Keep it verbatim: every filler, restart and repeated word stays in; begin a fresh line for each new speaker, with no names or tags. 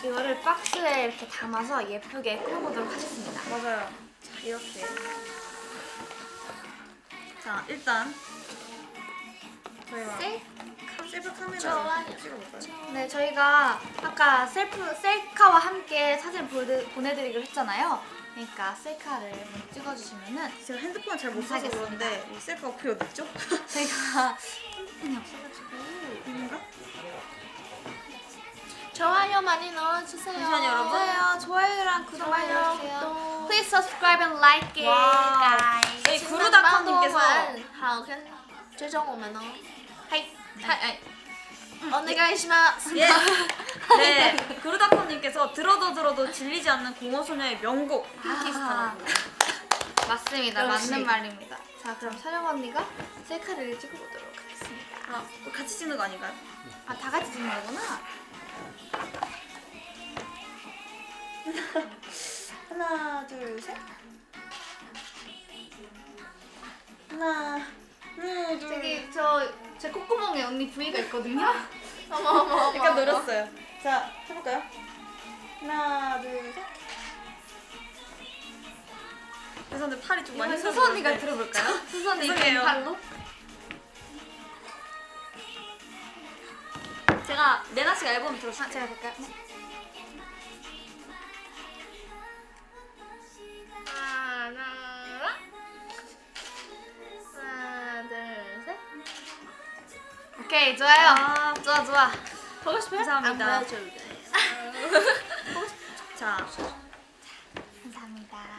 이거를 박스에 이렇게 담아서 예쁘게 꾸며보도록 하겠습니다.
맞아요. 자, 이렇게. 자, 일단 저희가
셀카?
셀프 카메라로
좋아요.
찍어볼까요?
네, 저희가 아까 셀프, 셀카와 함께 사진 보내, 보내드리기로 했잖아요. 그러니까 셀카를 먼저 찍어주시면은
제가 핸드폰을 잘 못 써서
감사하겠습니다.
그런데 이 셀카가 어떻게 어딨죠?
저희가 핸드폰이 없어가지고
이건가?
좋아요 많이 넣어주세요.
잠시만요, 여러분.
좋아요, 좋아요랑 구독 많이
좋아요,
넣어주세요.
또.
Please subscribe and like it,
와우.
guys.
저희 구루닷컴님께서
好跟追踪我们哦。
하이, 하이, 오네가이시마스.
예. 네, 구루닷컴님께서 들어도 들어도 질리지 않는 공허소녀의 명곡 핑키스타라고.
맞습니다.
역시.
맞는 말입니다. 자, 그럼 촬영 언니가 셀카를 찍어보도록 하겠습니다.
아, 같이 찍는 거 아닌가요?
아, 다 같이 찍는 거구나.
하나, 둘, 셋. 하나, 하나, 둘.
저기 저 제 콧구멍에 언니 부위가 있거든요.
어머 어머 어머.
약간 늘었어요. 자, 해볼까요? 하나, 둘, 셋. 죄송한데 팔이 좀 많이
이번엔 수수 언니가
펴졌는데.
들어볼까요? 수수 언니
죄송해요.
팔로.
제가 레나 씨가 앨범
아,
들었어요.
제가 볼까요?
하나 하나 둘 셋.
오케이, 좋아요.
아,
좋아, 좋아.
보고 싶어요?
감사합니다.
안 보여줘도 돼.
자,